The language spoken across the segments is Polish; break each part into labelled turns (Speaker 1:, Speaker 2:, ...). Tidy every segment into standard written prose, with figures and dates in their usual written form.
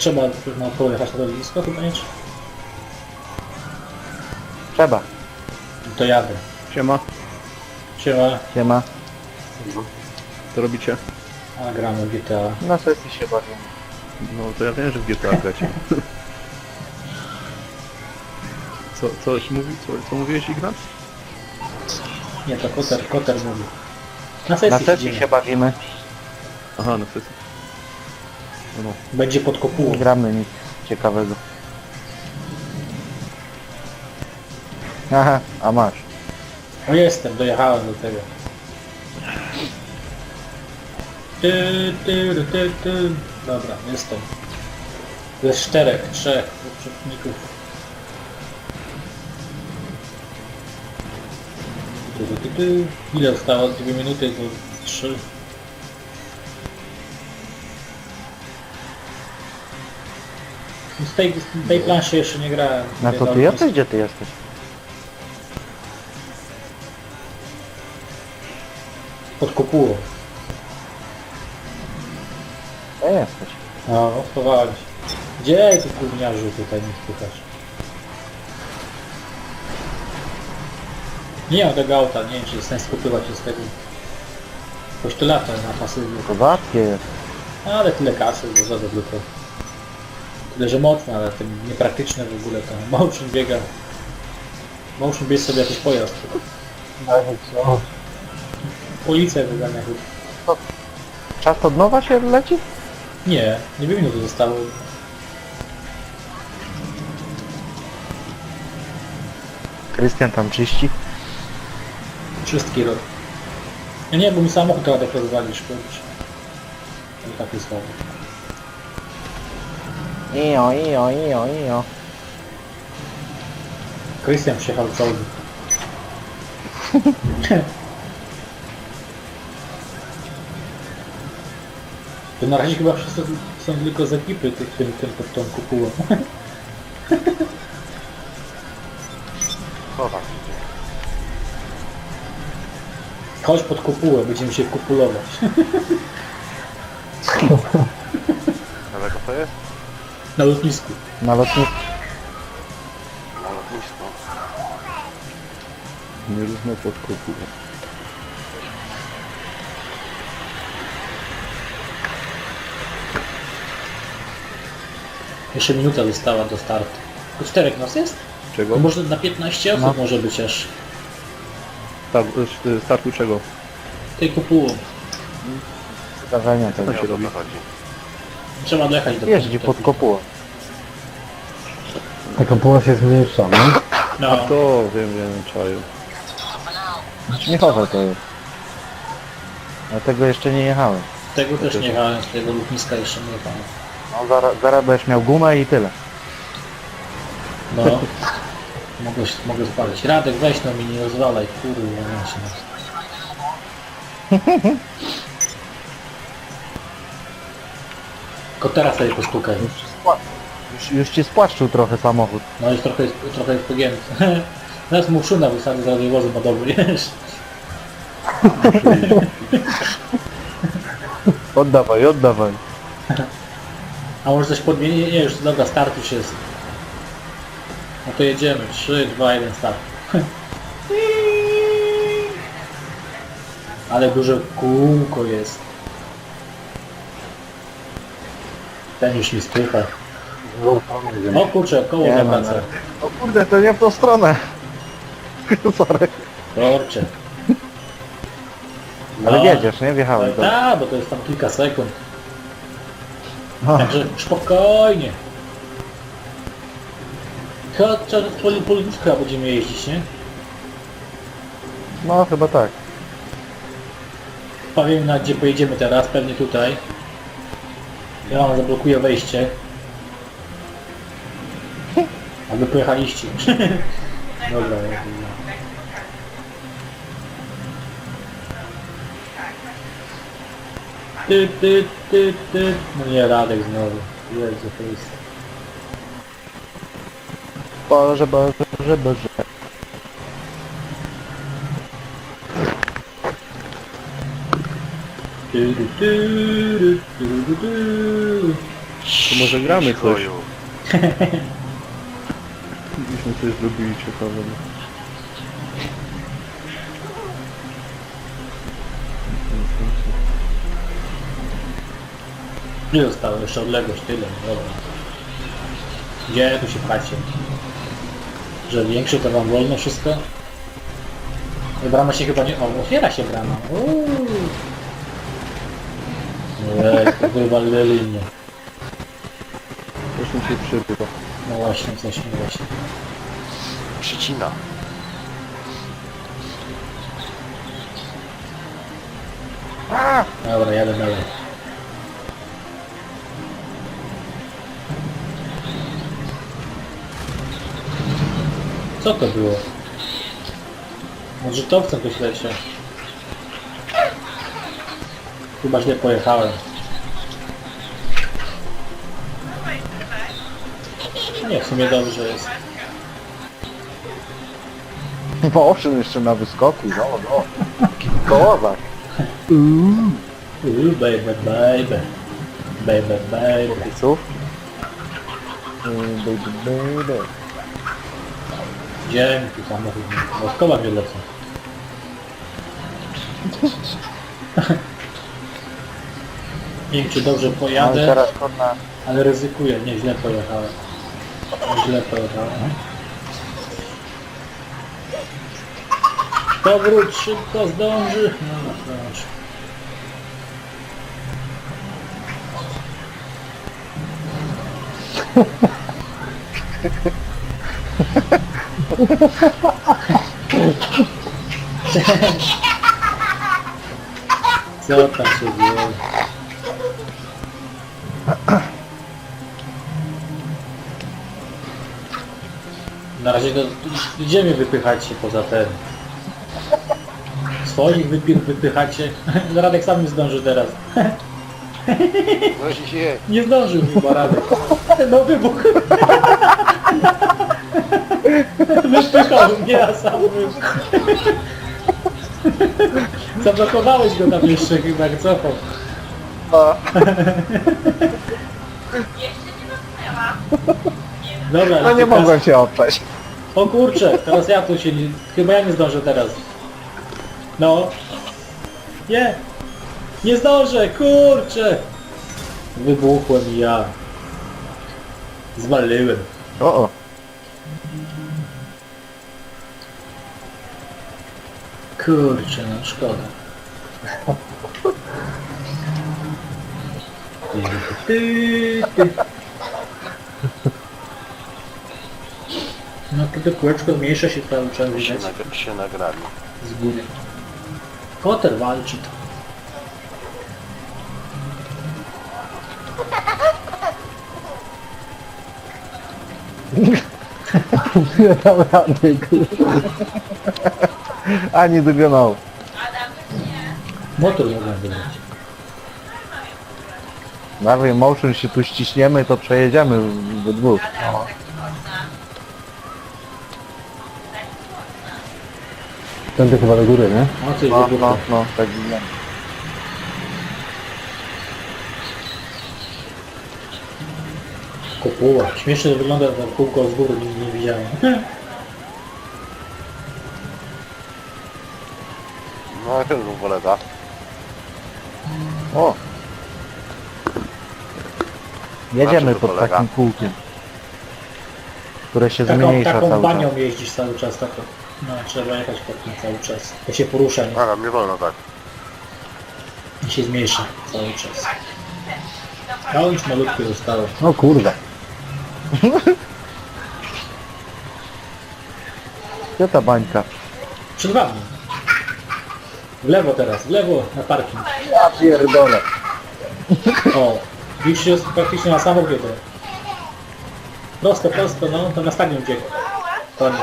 Speaker 1: Trzeba na pojechać na to blisko chyba nie?
Speaker 2: Trzeba.
Speaker 1: To jadę.
Speaker 3: Siema,
Speaker 1: Siema,
Speaker 2: Siema.
Speaker 3: co robicie?
Speaker 1: a gramy w GTA.
Speaker 2: Na sesji się bawię.
Speaker 3: No to ja wiem, że w GTA gracie. Co mówiłeś, Ignac?
Speaker 1: Nie, to Koter mówi. Na
Speaker 2: Na
Speaker 1: sesji
Speaker 2: sesji
Speaker 1: siedzimy.
Speaker 2: się bawimy.
Speaker 3: Aha, na sesji. No,
Speaker 1: Będzie pod kopułą.
Speaker 2: Nie gramy nic ciekawego. Aha, a masz.
Speaker 1: No jestem, dojechałem do tego. Ty. Dobra, jestem. Jest trzech przeciwników. Ile zostało? 2 minuty to 3. Z tej planszy jeszcze nie grałem.
Speaker 2: Na co ty jesteś? Gdzie ty jesteś?
Speaker 1: Pod kopułą.
Speaker 2: Gdzie jesteś?
Speaker 1: No, schowałem się. Gdzie ty gówniarzu tutaj nie spychasz? Nie mam tego auta, nie wiem czy jest sens kupywać się z tego. Choć to lata na pasywie.
Speaker 2: Kozackie jest.
Speaker 1: Ale tyle kasy, że za tylko. Tyle, że mocne, ale tym niepraktyczne w ogóle to. Motion biega. Motion bierz sobie jakiś pojazd.
Speaker 2: Co?
Speaker 1: Policję wygania chyba.
Speaker 2: Czas od nowa się leci?
Speaker 1: Nie 2 minuty zostało.
Speaker 2: Krystian tam czyści.
Speaker 1: Czystki rok. No nie, bo mi samochód tak rozwalisz, kurczę. To taki słaby.
Speaker 2: Ijo.
Speaker 1: Krystian przyjechał z Audi. To na razie chyba wszyscy są tylko z ekipy tym pod tą kupułą. Chodź pod kopułę, będziemy się kupulować.
Speaker 4: Daleko to jest?
Speaker 1: Na lotnisku.
Speaker 2: Na lotnisku.
Speaker 4: Na lotnisko.
Speaker 3: nie równo pod kopułą.
Speaker 1: Jeszcze minuta została do startu. To 4 nas jest?
Speaker 3: Czego?
Speaker 1: No może na 15 osób
Speaker 2: No.
Speaker 1: może być aż.
Speaker 3: Startu czego?
Speaker 1: Tej kopułą.
Speaker 2: Zdarzenie
Speaker 3: Co
Speaker 2: tego.
Speaker 3: tam się robi?
Speaker 4: Chodzi.
Speaker 1: Trzeba dojechać do
Speaker 2: Jeździ pod kopułą.
Speaker 5: Ta kopuła się zmniejsza, no?
Speaker 1: No,
Speaker 3: A to wiem, czaju.
Speaker 2: Śmiechowe to jest. Dlatego jeszcze nie jechałem.
Speaker 1: tego też nie jechałem, z tego lotniska jeszcze nie jechałem.
Speaker 2: No zaraz będziesz miał gumę i tyle.
Speaker 1: No. Mogę spalić. Radek, weź no mi nie rozwalaj, kurwa, nie się nas. Tylko teraz sobie postukaj.
Speaker 2: Już ci spłaszczył trochę samochód.
Speaker 1: No już trochę jest pogięty. Teraz mu szuna wysadzę, zaraz wozy badowy, wiesz?
Speaker 2: Oddawaj.
Speaker 1: A może coś podmieni? Nie, już dobra, start już jest. No to jedziemy. 3, 2, 1, start. Ale duże kółko jest. Ten już mi spycha. O kurczę, koło
Speaker 2: Nie,
Speaker 1: zawraca.
Speaker 2: O kurde, to nie w tą stronę. Sorry.
Speaker 1: Kurczę.
Speaker 2: Ale
Speaker 1: No.
Speaker 2: wiedziesz, nie? Wjechałem.
Speaker 1: Tak, bo to jest tam kilka sekund.
Speaker 2: No.
Speaker 1: Także spokojnie. Chyba po lotnisku chyba będziemy jeździć, nie?
Speaker 2: No chyba tak.
Speaker 1: Powiem na gdzie pojedziemy teraz, pewnie tutaj. Ja wam zablokuję wejście. A wy pojechaliście. Dobra, Ty. No nie, Radek znowu. Jezu, to jest...
Speaker 2: Boże.
Speaker 3: To może gramy coś.
Speaker 4: Goju.
Speaker 3: Byśmy coś zrobili ciekawego.
Speaker 1: Nie zostało jeszcze odległość, tyle, no dobra. Gdzie tu się pchacie? Że większy to wam wolno wszystko? Brama się chyba nie... O, otwiera się brama. Wywalili mnie.
Speaker 3: Coś mi się przybywa.
Speaker 1: No właśnie, coś mi właśnie.
Speaker 4: Przycina.
Speaker 1: Dobra, jadę dalej. Co to było? Odrzutowcem ktoś leciał. Chyba źle pojechałem. Nie, w sumie dobrze jest.
Speaker 2: Motion jeszcze na wyskoku, no. Kołowak.
Speaker 1: Baby, baby. Baby, baby.
Speaker 2: Pisów. Baby.
Speaker 1: Dzięki samochód. Woskowa mnie lecą. Nie wiem czy dobrze
Speaker 2: No i
Speaker 1: pojadę,
Speaker 2: teraz kurna.
Speaker 1: ale ryzykuję. Nie, źle pojechałem. Źle pojechałem. Powróć, szybko zdąży. No, zdąży. Co tam się dzieje? Na razie to gdzie mnie wypychacie poza ten? Swoich wypychacie? Radek sam nie zdąży teraz.
Speaker 4: No się.
Speaker 1: Nie zdążył chyba Radek. No wybuch. Wypychał mnie, a sam wybuch. Zablokowałeś go tam jeszcze chyba, jak cofał.
Speaker 2: No.
Speaker 1: Dobra,
Speaker 2: No nie
Speaker 1: teraz-
Speaker 2: mogłem się oprzeć.
Speaker 1: O kurczę, teraz ja tu się nie... Chyba ja nie zdążę teraz. No. Nie. Nie zdążę, kurczę. Wybuchłem i ja. Zwaliłem.
Speaker 2: O.
Speaker 1: Kurczę, no szkoda. No to kółeczko zmniejsza się cały czas, widać
Speaker 4: Się nagrali.
Speaker 1: z góry. Koter walczy to.
Speaker 2: Nie dam rady, kurwa. Ani dogonał.
Speaker 1: Motor mogę wybrać.
Speaker 2: Nawet motion się tu ściśniemy, to przejedziemy we dwóch.
Speaker 5: Tędy chyba do góry, nie?
Speaker 1: O, coś
Speaker 2: No,
Speaker 1: wybuchło.
Speaker 2: tak wygląda.
Speaker 1: Kopuła. Śmiesznie wygląda to kółko z góry, nie widziałem.
Speaker 4: No i ten polega.
Speaker 2: O! Jedziemy
Speaker 4: Na czym to
Speaker 2: pod
Speaker 4: polega?
Speaker 2: takim kółkiem. Które się
Speaker 1: Taką,
Speaker 2: zmniejsza
Speaker 1: taką
Speaker 2: cały
Speaker 1: banią
Speaker 2: czas.
Speaker 1: jeździsz cały czas, taką. No, trzeba jechać pod tym cały czas. To się porusza, nie?
Speaker 4: Ale mnie wolno tak.
Speaker 1: I się zmniejsza cały czas. No już malutkie zostało.
Speaker 5: O kurwa.
Speaker 2: Gdzie ta bańka?
Speaker 1: Przed wami. W lewo teraz, w lewo na parking.
Speaker 2: Ja pierdolę.
Speaker 1: O, już jest praktycznie na samochodzie. Prosto, prosto, no, to na stadion biegł. Koniec.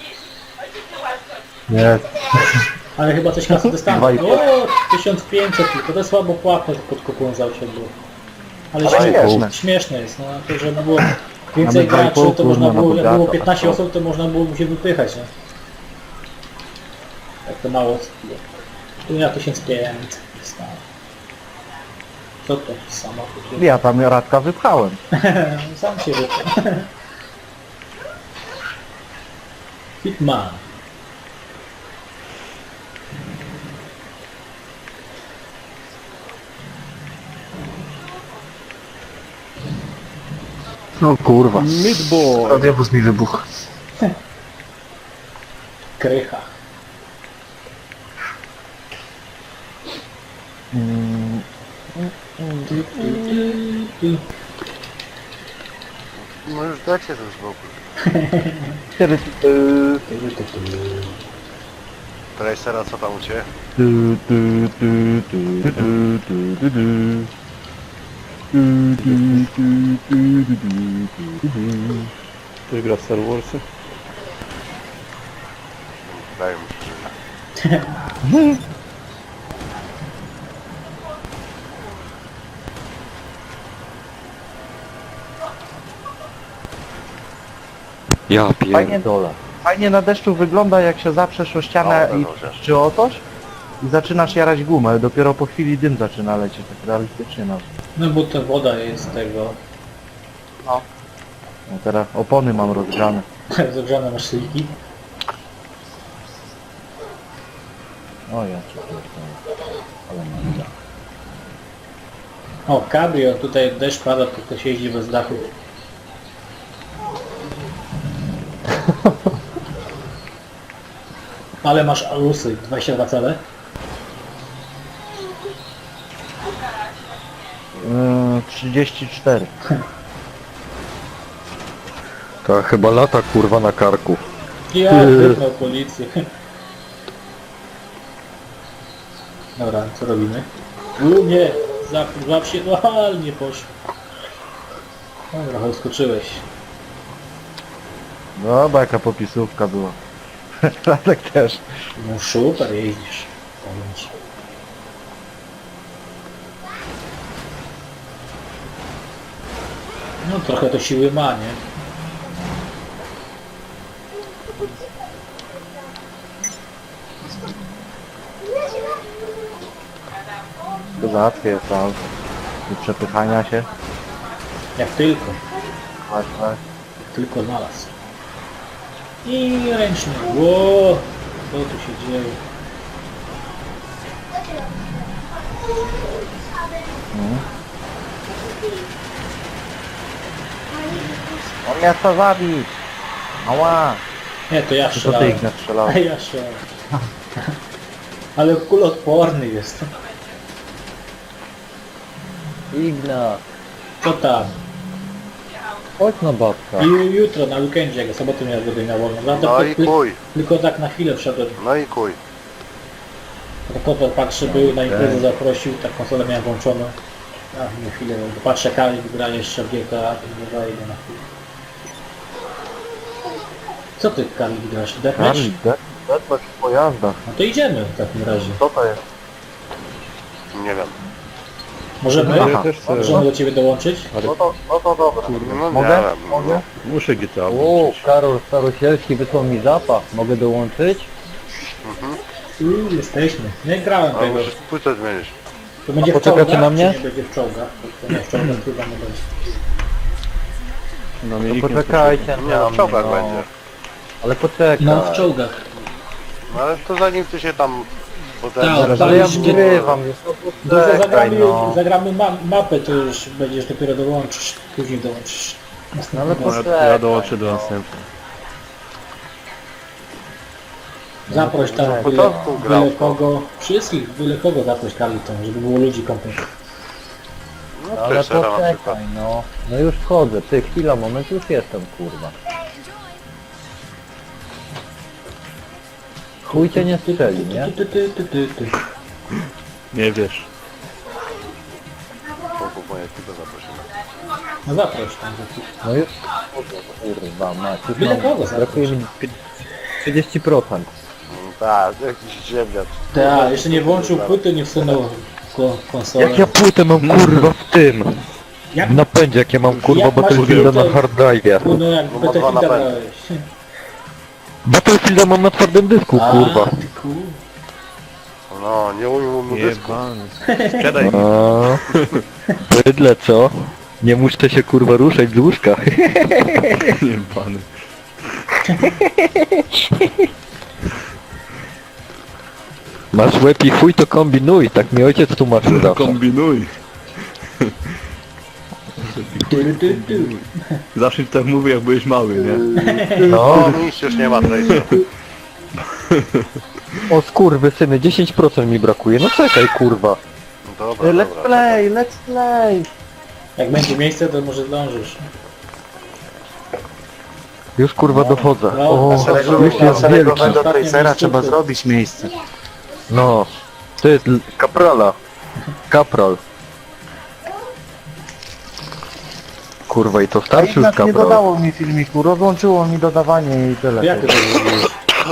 Speaker 5: Jest.
Speaker 1: Ale chyba coś kasy dostaną.
Speaker 2: Dwa i pół.
Speaker 1: O, 1500 tylko, to słabo płatne pod kupują za było. Ale
Speaker 2: Ale śmieszne.
Speaker 1: śmieszne jest, no, to żeby było więcej
Speaker 2: Mamy 2,5
Speaker 1: graczy, to można
Speaker 2: kurwa,
Speaker 1: było,
Speaker 2: na
Speaker 1: jak było
Speaker 2: bogata,
Speaker 1: 15
Speaker 2: tak.
Speaker 1: osób, to można było mu się wypychać, nie? Jak to mało osób było. Tu ja 1500 dostałem. Co to? Samochód.
Speaker 2: Ja tam Radka wypchałem.
Speaker 1: Sam się wypał. Hitman.
Speaker 2: No kurwa.
Speaker 3: Midboy!
Speaker 2: Radiowóz mi wybuchł.
Speaker 1: Krycha.
Speaker 4: No już dajcie ten spokój. Tracera, co tam u ciebie?
Speaker 3: Ktoś gra w Star Warsy?
Speaker 4: Daj mi się.
Speaker 6: Ja
Speaker 2: Fajnie,
Speaker 6: pierdolę.
Speaker 2: fajnie na deszczu wygląda, jak się zaprzesz o ścianę
Speaker 4: O,
Speaker 2: i
Speaker 4: dobrze.
Speaker 2: czy o coś i zaczynasz jarać gumę. Dopiero po chwili dym zaczyna lecieć, tak realistycznie nawet.
Speaker 1: No bo ta woda jest tego.
Speaker 2: No teraz opony mam rozgrzane.
Speaker 1: Zagrzane maszynki.
Speaker 2: O ja cię pierdolę. Ale mam da.
Speaker 1: O, cabrio, tutaj deszcz pada, to ktoś jeździ bez dachu. Ale masz alusy, 22 cale.
Speaker 2: 34.
Speaker 6: To chyba lata kurwa na karku.
Speaker 1: Ja wypnął policję. Dobra, co robimy? Nie, złap się, no ale nie poszło. Dobra, odskoczyłeś.
Speaker 2: Dobra, jaka popisówka była. Radek też.
Speaker 1: No super jeździsz. Powiem ci. No trochę to siły ma, nie?
Speaker 2: To załatwię jest tam. Do przepychania się.
Speaker 1: Jak tylko.
Speaker 2: Tak, tak.
Speaker 1: Jak tylko znalazł. I ręczny. Ło, co tu się dzieje?
Speaker 2: On mnie chce zabić. Ała.
Speaker 1: Nie, to ja
Speaker 2: To ty
Speaker 1: strzelałem.
Speaker 2: ich nastrzelałeś.
Speaker 1: A ja strzelałem. Ale kuloodporny jest.
Speaker 5: Igna,
Speaker 1: Co tam?
Speaker 5: chodź na babka.
Speaker 1: I jutro na weekendzie, jak soboty miał będę miał wolno.
Speaker 4: No i kuj.
Speaker 1: Tylko tak na chwilę wszedłem.
Speaker 4: No i kuj.
Speaker 1: Kotor patrzy, był na imprezę, zaprosił, tak konsolę miałem włączoną. A na chwilę, patrzę, Kali gra jeszcze w GTA, to nie daje go na chwilę. Co ty, Kali, grasz? Deathmatch?
Speaker 2: Deathmatch w pojazdach.
Speaker 1: No to idziemy w takim razie.
Speaker 2: Co to jest?
Speaker 4: Nie wiem.
Speaker 1: Możemy?
Speaker 2: Aha.
Speaker 3: Ja też chcę.
Speaker 1: Możemy do ciebie dołączyć?
Speaker 2: No to dobra.
Speaker 4: No
Speaker 2: Mogę?
Speaker 4: nie wiem.
Speaker 2: Mogę?
Speaker 3: Muszę GTA
Speaker 5: O,
Speaker 3: włączyć.
Speaker 5: Karol Starosielski wysłał mi zapach. Mogę dołączyć?
Speaker 1: Jesteśmy. Nie grałem
Speaker 4: Ale
Speaker 1: tego.
Speaker 4: musisz płytę zmienić.
Speaker 1: To będzie w
Speaker 5: poczekacie
Speaker 1: czołgach,
Speaker 5: na mnie?
Speaker 1: czy nie będzie w czołgach? To nie, w czołgach chyba nie będzie.
Speaker 3: No
Speaker 2: To
Speaker 3: mnie
Speaker 2: poczekajcie
Speaker 4: Nie, no w czołgach
Speaker 2: no.
Speaker 4: będzie.
Speaker 5: Ale poczekaj.
Speaker 1: No, w czołgach.
Speaker 4: No ale to zanim ty się tam potem...
Speaker 1: Tak,
Speaker 2: Ale
Speaker 1: tak.
Speaker 2: ja
Speaker 1: już
Speaker 2: wgrywam.
Speaker 1: Bo to zagramy,
Speaker 2: no.
Speaker 1: zagramy mapę, to już będziesz dopiero dołączysz. Później dołączysz.
Speaker 2: No ale
Speaker 3: No,
Speaker 2: poczekaj.
Speaker 3: ja dołączę do następnej.
Speaker 1: Zaproś tam
Speaker 4: Na początku grał
Speaker 1: byle
Speaker 4: to.
Speaker 1: kogo, wszystkich, byle kogo zaproś Carliton, żeby było ludzi kompletnie.
Speaker 4: No
Speaker 5: Ale
Speaker 4: Tracera na przykład.
Speaker 5: poczekaj, no. No już wchodzę. Ty, chwila, moment, już jestem, kurwa. Chuj cię nie strzeli, nie?
Speaker 1: Ty.
Speaker 3: Nie wiesz.
Speaker 4: Członków mojej ekipy zaprosimy.
Speaker 1: No zaproś tam.
Speaker 5: No już kurwa, mać. Już
Speaker 1: Byle
Speaker 5: mam,
Speaker 1: kogo zaproś.
Speaker 5: brakuje mi 30%.
Speaker 4: Tak, jakiś ziemniak.
Speaker 1: Tak, jeszcze nie włączył płyty, nie wsunął konsolę.
Speaker 6: Jak ja płytę mam kurwa w tym?
Speaker 1: Jak?
Speaker 6: W napędzie, jak ja mam kurwa
Speaker 1: Jak masz
Speaker 6: Battlefielda
Speaker 1: płytę?
Speaker 6: na hard drive'ie.
Speaker 1: No jak
Speaker 4: No ma dwa
Speaker 1: Battlefielda
Speaker 4: napędy.
Speaker 1: grałeś.
Speaker 6: Battlefielda mam na twardym dysku, kurwa.
Speaker 1: ty kurwa.
Speaker 4: No, nie umiem mu dysku.
Speaker 3: Jebany. Sprzedaj mi.
Speaker 6: A, Bydle co? Nie muszę się kurwa ruszać z łóżka.
Speaker 3: Nie pany.
Speaker 6: Masz łeb i chuj to kombinuj, tak mi ojciec tłumaczył zawsze.
Speaker 3: Kombinuj. Zawsze tak mówię jak byłeś mały, nie?
Speaker 2: No,
Speaker 4: No nic już nie ma Tracer.
Speaker 6: O skurwysyny, 10% mi brakuje, no czekaj kurwa.
Speaker 4: Dobra,
Speaker 2: let's
Speaker 4: dobra.
Speaker 2: play, let's play.
Speaker 1: Jak będzie miejsce, to może zdążysz.
Speaker 6: Już kurwa dochodzę.
Speaker 1: No,
Speaker 6: O, już jest wielki.
Speaker 2: Szeregowego Tracera trzeba zrobić miejsce.
Speaker 6: No, to jest kaprala. Kapral. Kurwa i to
Speaker 2: A
Speaker 6: starszy już
Speaker 2: jednak nie
Speaker 6: kapral.
Speaker 2: dodało mi filmiku, rozłączyło mi dodawanie i tyle.
Speaker 1: Jak ty to zrobiłeś?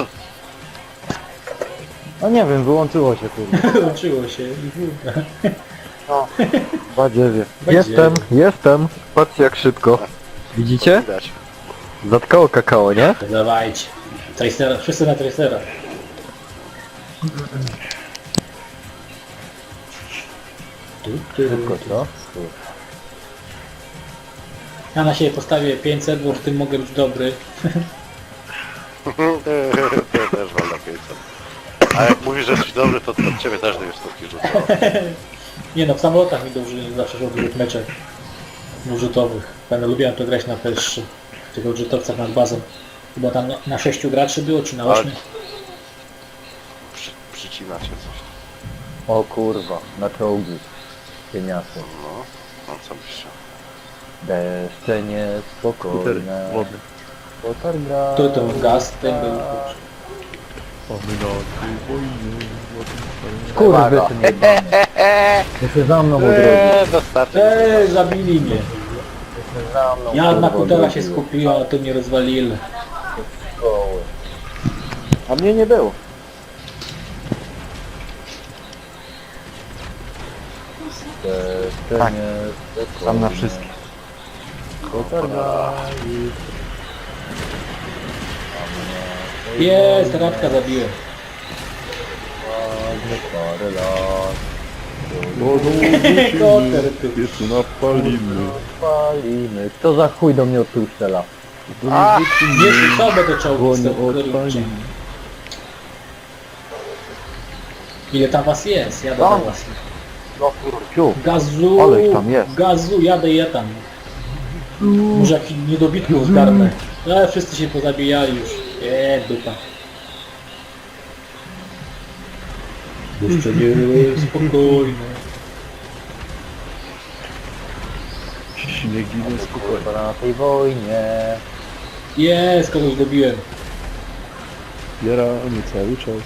Speaker 2: No nie wiem, wyłączyło się kurwa.
Speaker 1: Łączyło się i kurwa.
Speaker 2: Badziewie.
Speaker 6: Jestem. Patrzcie jak szybko. Widzicie?
Speaker 4: Widać.
Speaker 6: Zatkało kakao, nie?
Speaker 1: Dawajcie. Tracera, wszyscy na Tracera.
Speaker 5: Szybko, co?
Speaker 1: Ja na siebie postawię 500, bo w tym mogę być dobry.
Speaker 4: Ja też mam na 500. A jak mówisz, że jesteś dobry, to od ciebie też 2 sztuki rzucę.
Speaker 1: Nie no, w samolotach mi dobrze zawsze szło w dużych meczach budżetowych. Będę lubiłem to grać na PS3, w tych budżetowcach nad bazą. Chyba tam na 6 graczy było, czy na 8?
Speaker 4: Przycina cię coś.
Speaker 5: O kurwa, na czołgi. Cieniasy.
Speaker 4: No, no co byś chciał.
Speaker 5: Deszcze
Speaker 3: Skutery
Speaker 5: niespokojne.
Speaker 3: wodne.
Speaker 5: Potarga.
Speaker 1: Tu to gaz, ten był.
Speaker 5: Skurwysyn jebany. To się za mną odrodzi.
Speaker 4: Dostarczy.
Speaker 1: Zabili mnie.
Speaker 5: Za mną,
Speaker 1: Ja na
Speaker 5: kurwa,
Speaker 1: kutela się
Speaker 5: odrodziło.
Speaker 1: skupiłem, a to mnie rozwalili.
Speaker 5: Szkoły.
Speaker 2: A mnie nie było.
Speaker 5: Deszcze
Speaker 2: Tak.
Speaker 5: niespokojne.
Speaker 2: Tam na wszystkich.
Speaker 5: Potarga i...
Speaker 1: Jest, radka zabiłem.
Speaker 5: Ładny parę lat.
Speaker 1: Koter, ty.
Speaker 3: Piecu napalimy.
Speaker 5: Palimy. Kto za chuj do mnie odtył strzela?
Speaker 1: Nie, sobie to czołgi
Speaker 3: Dłoń
Speaker 1: z tego
Speaker 3: odpalimy.
Speaker 1: Ile tam was jest? Jadę do
Speaker 2: Tam.
Speaker 1: was.
Speaker 2: No kurciu.
Speaker 1: Gazu!
Speaker 2: Ale ich tam jest.
Speaker 1: Gazu, jadę je tam. Może jakiś niedobitków zgarnę. Ale wszyscy się pozabijali już. Dupa. Jeszcze nie, spokojnie.
Speaker 3: Śniegi nie spokojnie.
Speaker 5: Kurwa na tej wojnie.
Speaker 1: Jest, kogoś dobiłem.
Speaker 3: Zbieramy cały czas.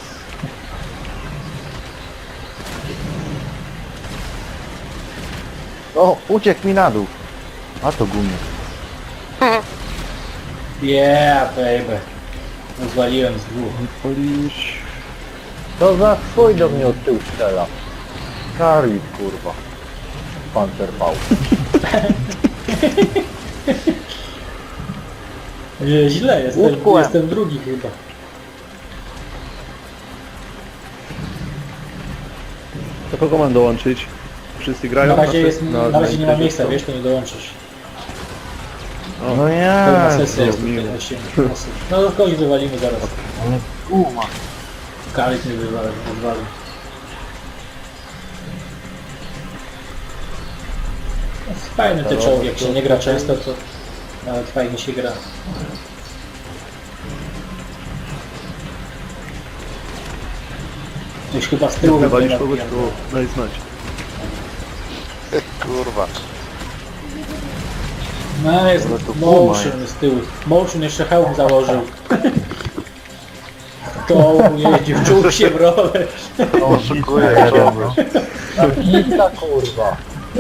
Speaker 2: O, uciekł mi na dół. A to gumie.
Speaker 1: Yeah, baby. Rozwaliłem z dwóch.
Speaker 3: Palisz.
Speaker 5: Kto za chuj do mnie odtył strzela? Charlie, kurwa. Pancerpał.
Speaker 1: Źle,
Speaker 2: Utkłem.
Speaker 1: jestem drugi chyba.
Speaker 3: To kogo mam dołączyć? Wszyscy grają?
Speaker 1: Na razie,
Speaker 3: Znaczy,
Speaker 1: na razie nie ma
Speaker 3: imprezie
Speaker 1: miejsca,
Speaker 3: są.
Speaker 1: wiesz, to nie dołączysz.
Speaker 2: No
Speaker 1: Pełna
Speaker 2: nie.
Speaker 1: sesja jest
Speaker 3: miło.
Speaker 1: tutaj 8 osób. No to kogoś wywalimy zaraz.
Speaker 2: Ale guma.
Speaker 1: Kalik mnie wywalił. Fajne te czołgi, jak się nie gra często, to nawet fajnie się gra. Już chyba z tyłu
Speaker 3: Wywalisz
Speaker 1: będę
Speaker 3: kogoś,
Speaker 1: nabijał.
Speaker 3: to daj znać.
Speaker 4: Kurwa.
Speaker 1: No jest
Speaker 2: Ale to
Speaker 1: motion z tyłu. Motion jeszcze hełm założył. To jeździł, czuł się w rolę.
Speaker 4: Oszukuję czołgów.
Speaker 5: Pizza, kurwa.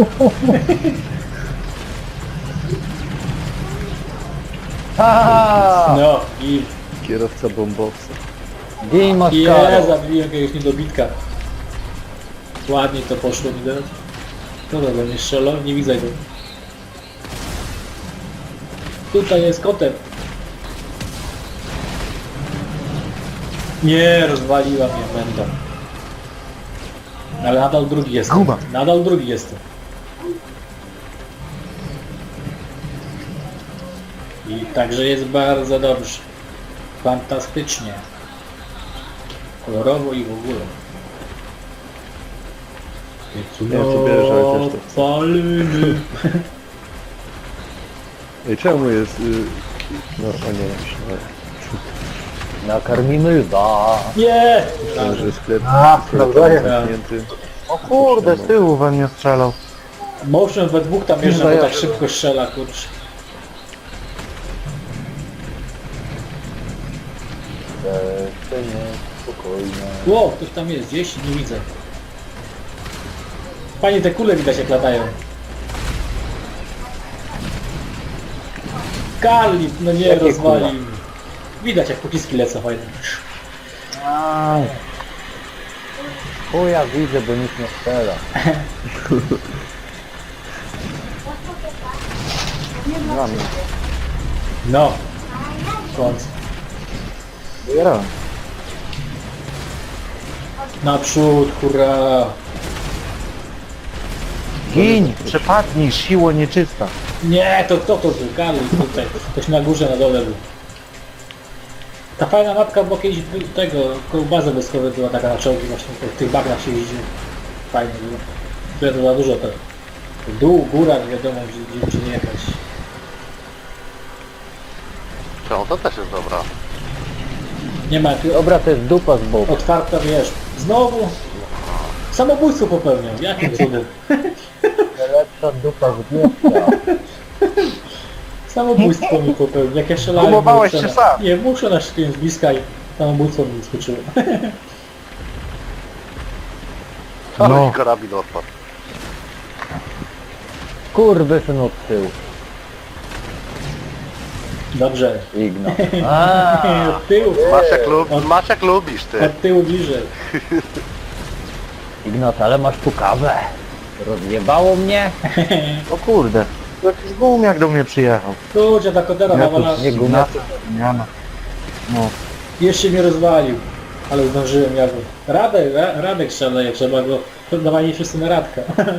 Speaker 5: Ha!
Speaker 1: No i
Speaker 3: Kierowca bombowca.
Speaker 5: Gej
Speaker 1: zabiłem jakiegoś niedobitka. Ładnie to poszło mi teraz. No dobra, nie strzelał, nie widzę go. Tutaj jest kotem. Nie, rozwaliła mnie będą. Ale nadal drugi jestem.
Speaker 2: Guma.
Speaker 1: Nadal drugi jestem. I także jest bardzo dobrze. Fantastycznie. Kolorowo i w ogóle.
Speaker 3: Ja sobie wierzę, ale też to chcę.
Speaker 1: Paliny.
Speaker 3: Ej, czemu jest... No, o nie, myślałem,
Speaker 5: Nakarmimy lwa.
Speaker 1: Nie!
Speaker 3: że sklep
Speaker 5: nawzajem.
Speaker 3: zamknięty.
Speaker 2: O kurde, z tyłu we mnie strzelał.
Speaker 1: Motion we dwóch tam jeżdżą, bo
Speaker 2: ja-
Speaker 1: tak szybko strzela, kurczę.
Speaker 5: Jeszcze nie, spokojnie.
Speaker 1: Ło, ktoś tam jest, gdzieś nie widzę. Panie, te kule widać jak latają. Kali, no nie,
Speaker 5: Jakie
Speaker 1: rozwalił.
Speaker 5: kule?
Speaker 1: Widać jak pociski lecą fajnie.
Speaker 5: Aj. Chuja widzę, bo nikt nie strzela.
Speaker 2: Dla mnie.
Speaker 1: No. W końcu.
Speaker 2: Zbierałem.
Speaker 1: Naprzód, hurra.
Speaker 2: Giń, przepadnij, siło nieczysta.
Speaker 1: Nie, to kto to był? Kali tutaj. Ktoś na górze, na dole był. Ta fajna mapka, bo kiedyś tego, koło bazy wojskowej była taka na czołgi właśnie, w tych bagnach się jeździ. Fajnie było. Tu jest za dużo tego. Dół, góra, nie wiadomo gdzie nie jechać.
Speaker 4: Czemu to też jest dobra.
Speaker 1: Nie ma tu
Speaker 5: Dobra, to jest dupa z boku.
Speaker 1: otwarta, wiesz. Znowu samobójstwo popełniam. Jakim cudem?
Speaker 5: Lepsza dupa z wietrza.
Speaker 1: Samobójstwo mi popełnił. Jak ja strzelałem...
Speaker 2: Próbowałeś
Speaker 1: muszę
Speaker 2: się
Speaker 1: na-
Speaker 2: sam.
Speaker 1: Nie, muszę na szczycie z bliska i samobójstwo mi skoczyło.
Speaker 4: Ale
Speaker 2: No.
Speaker 4: mi karabin odpadł.
Speaker 5: Kurwy syn od tyłu.
Speaker 1: Dobrze.
Speaker 5: Igna.
Speaker 1: Od tyłu.
Speaker 4: Masz jak lubisz ty.
Speaker 1: Od tyłu bliżej.
Speaker 5: Ignat, ale masz tu kawę. Rozjebało mnie?
Speaker 2: O kurde, jakiś gumiak do mnie przyjechał.
Speaker 1: Kurczę, ta kodera
Speaker 2: Ja tu
Speaker 1: nawala.
Speaker 5: Nie gumę.
Speaker 2: Zmiana. No.
Speaker 1: Jeszcze mnie rozwalił. Ale zdążyłem jakby. Radek szaleje, trzeba go... Dawali wszyscy na Radka.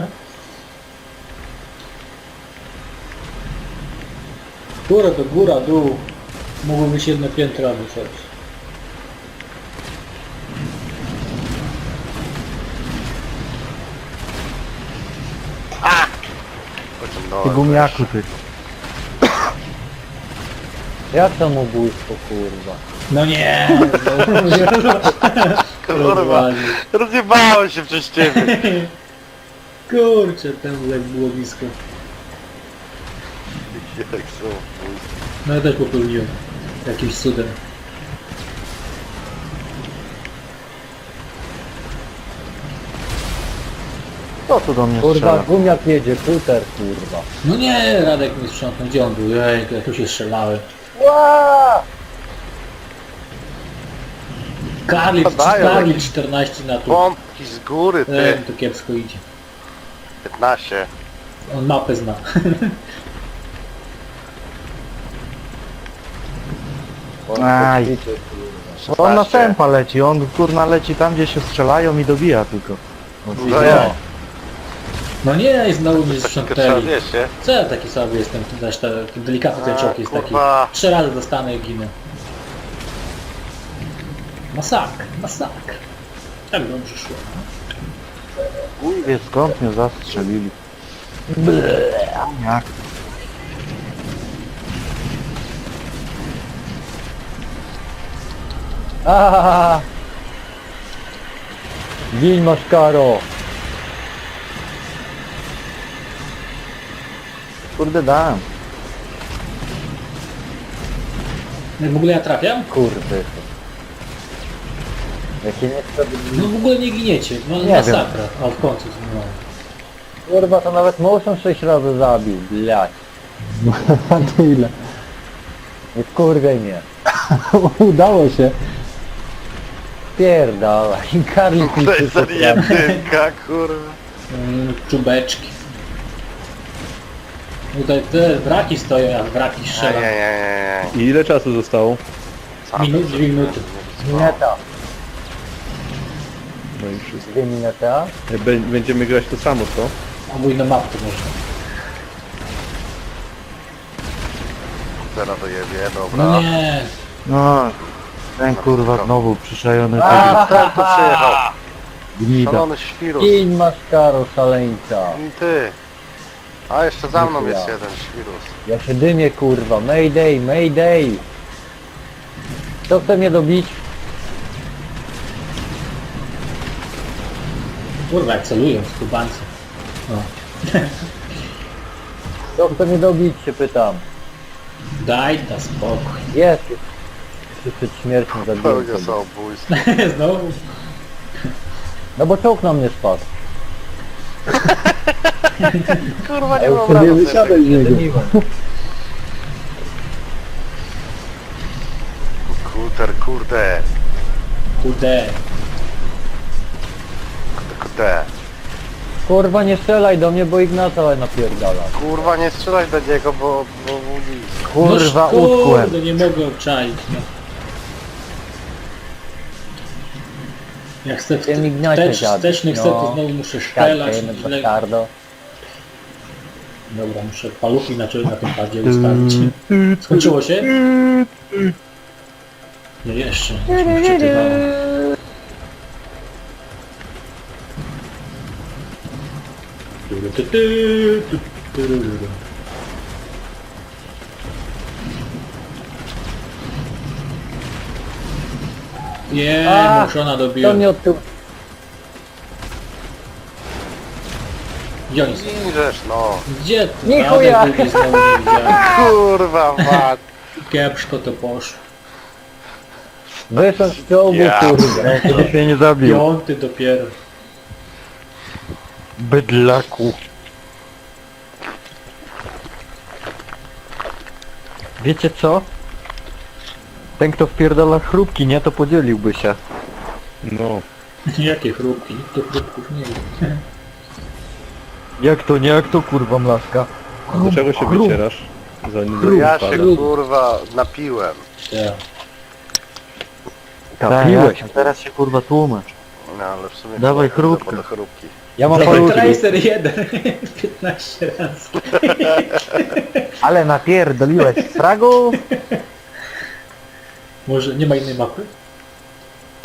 Speaker 1: Góra to góra, dół. Mogło być jedno piętro albo coś.
Speaker 2: Ty
Speaker 4: Pociągnąłem.
Speaker 2: gumiaku ty.
Speaker 5: Jak samobójstwo, kurwa?
Speaker 1: No nie!
Speaker 4: Kurwa,
Speaker 1: Rozwalił.
Speaker 4: rozjebałem się przez ciebie.
Speaker 1: Kurczę, ten lek było blisko.
Speaker 4: Jak są.
Speaker 1: No ja też popełniłem. Jakimś cudem.
Speaker 2: Kto tu do mnie
Speaker 5: Kurwa,
Speaker 2: strzela?
Speaker 5: gumiak jedzie, kuter, kurwa.
Speaker 1: No nie, Radek mi sprzątnął. Gdzie on był? Ej, ja tu się strzelałem.
Speaker 5: Ła!
Speaker 1: Karli 14 na tu.
Speaker 4: Pompki z góry ty.
Speaker 1: To kiepsko idzie.
Speaker 4: 15.
Speaker 1: On mapę zna.
Speaker 2: Aj.
Speaker 5: Idźcie, kurwa.
Speaker 2: On na
Speaker 4: 16.
Speaker 2: tempa leci, on kurna leci tam gdzie się strzelają i dobija tylko.
Speaker 4: No ja.
Speaker 1: No nie, znowu mnie
Speaker 4: Trzeba
Speaker 1: sprzątnęli.
Speaker 4: wiesz, nie?
Speaker 1: Co ja taki sobie jestem? Też taki delikatny ten czołg jest taki.
Speaker 4: Kurwa.
Speaker 1: 3 razy dostanę i ginę. Masakr, masakr. Tak dobrze szło.
Speaker 2: Chuj wie skąd mnie zastrzelili. Gumiak.
Speaker 5: Aaaa! Gin masz karo!
Speaker 2: Kurde dałem.
Speaker 1: Jak w ogóle ja trafiam?
Speaker 5: Kurwy. Jakie niesprawiedliwe.
Speaker 1: No w ogóle nie giniecie. No
Speaker 2: Nie
Speaker 1: masakra. A w końcu no.
Speaker 5: Kurwa, to nawet motion 6 razy zabił, blać.
Speaker 7: A to ile?
Speaker 5: Nie wkurwiaj mnie.
Speaker 7: Udało się.
Speaker 5: Pierdala. I Karli
Speaker 4: To jest jedynka, kurwa.
Speaker 1: Czubeczki. Tutaj te wraki stoją, jak wraki
Speaker 4: Nie, nie,
Speaker 1: strzela.
Speaker 4: nie, nie,
Speaker 3: I ile czasu zostało?
Speaker 4: nie.
Speaker 1: 2 minuty.
Speaker 5: Mineta.
Speaker 3: No i wszystko.
Speaker 5: 2 minuty, a?
Speaker 3: Będziemy grać to samo, co?
Speaker 1: Albo inną mapkę można.
Speaker 4: teraz dojebie, dobra.
Speaker 1: No nie.
Speaker 2: No, ten kurwa znowu przyszajony
Speaker 4: A, ten tu przyjechał.
Speaker 2: gnida.
Speaker 4: Szalony świrus.
Speaker 5: Kiń maskaro szaleńca.
Speaker 4: I ty. A jeszcze za mną
Speaker 5: Dziękuję.
Speaker 4: jest jeden świrus.
Speaker 5: Ja się dymię kurwa. Mayday, mayday. Kto chce mnie dobić?
Speaker 1: Kurwa, jak celują z kubańcem. No.
Speaker 5: Kto chce mnie dobić się pytam.
Speaker 1: Daj da spokój.
Speaker 5: Jest. Jeszcze przed śmiercią zabiłem
Speaker 4: Pełnia
Speaker 5: sobie.
Speaker 4: samobójstwo.
Speaker 1: Znowu.
Speaker 5: No bo czołg na mnie spadł.
Speaker 4: Kurwa,
Speaker 5: A
Speaker 4: nie
Speaker 5: ja
Speaker 4: mam
Speaker 5: już sobie
Speaker 4: rady.
Speaker 7: wysiadaj z niego.
Speaker 5: Dymiłem.
Speaker 4: Kurde.
Speaker 1: Kurde.
Speaker 4: Kurde.
Speaker 5: Kurwa nie strzelaj do mnie, bo Ignata napierdala.
Speaker 4: Kurwa, nie strzelaj do niego, bo budzi.
Speaker 2: Kurwa,
Speaker 1: no,
Speaker 2: utkłem.
Speaker 1: kurde, nie mogę obczaić. No. Jak chcę
Speaker 5: Tym Ignacie dziadek,
Speaker 1: wsteczny chcę, to
Speaker 5: no.
Speaker 1: znowu muszę szczelać.
Speaker 5: Kartę,
Speaker 1: źle-
Speaker 5: bastardo.
Speaker 1: Dobra, muszę paluchy na tym padzie ustawić. Skończyło się? Nie, jeszcze. Już mi wczytywało. Nie,
Speaker 5: A,
Speaker 1: Moszona
Speaker 5: To
Speaker 1: dobiła.
Speaker 5: mnie od tyłu.
Speaker 1: Gdzie oni są?
Speaker 4: Inżesz, no.
Speaker 1: Gdzie ty?
Speaker 5: Nie
Speaker 1: Radę
Speaker 5: chuja.
Speaker 1: drugi znowu nie widziałem.
Speaker 4: Kurwa, mat.
Speaker 1: Kiepsko to poszło.
Speaker 5: Wyszedł z czołgu
Speaker 4: Ja.
Speaker 5: kurwa.
Speaker 2: To się nie zabił.
Speaker 1: Piąty dopiero.
Speaker 2: Bydlaku.
Speaker 6: Wiecie co? Ten kto wpierdala chrupki, nie, to podzieliłby się.
Speaker 3: No.
Speaker 1: Jakie chrupki? Nikt tu chrupków nie wie.
Speaker 6: Jak to nie, jak to kurwa mlaska?
Speaker 3: Do czego się wycierasz? Zanim
Speaker 4: Ja się
Speaker 3: spada.
Speaker 4: kurwa napiłem.
Speaker 1: Tak.
Speaker 6: Kapiłeś.
Speaker 2: a teraz się kurwa tłumacz.
Speaker 4: No ale w sumie...
Speaker 2: Dawaj
Speaker 4: kurwa,
Speaker 2: chrupkę.
Speaker 4: do chrupki.
Speaker 5: Ja mam
Speaker 1: Dawaj
Speaker 5: paluchy.
Speaker 1: Tracer 1. 15 razy.
Speaker 2: Ale napierdoliłeś z fragów?
Speaker 1: Może nie ma innej mapy?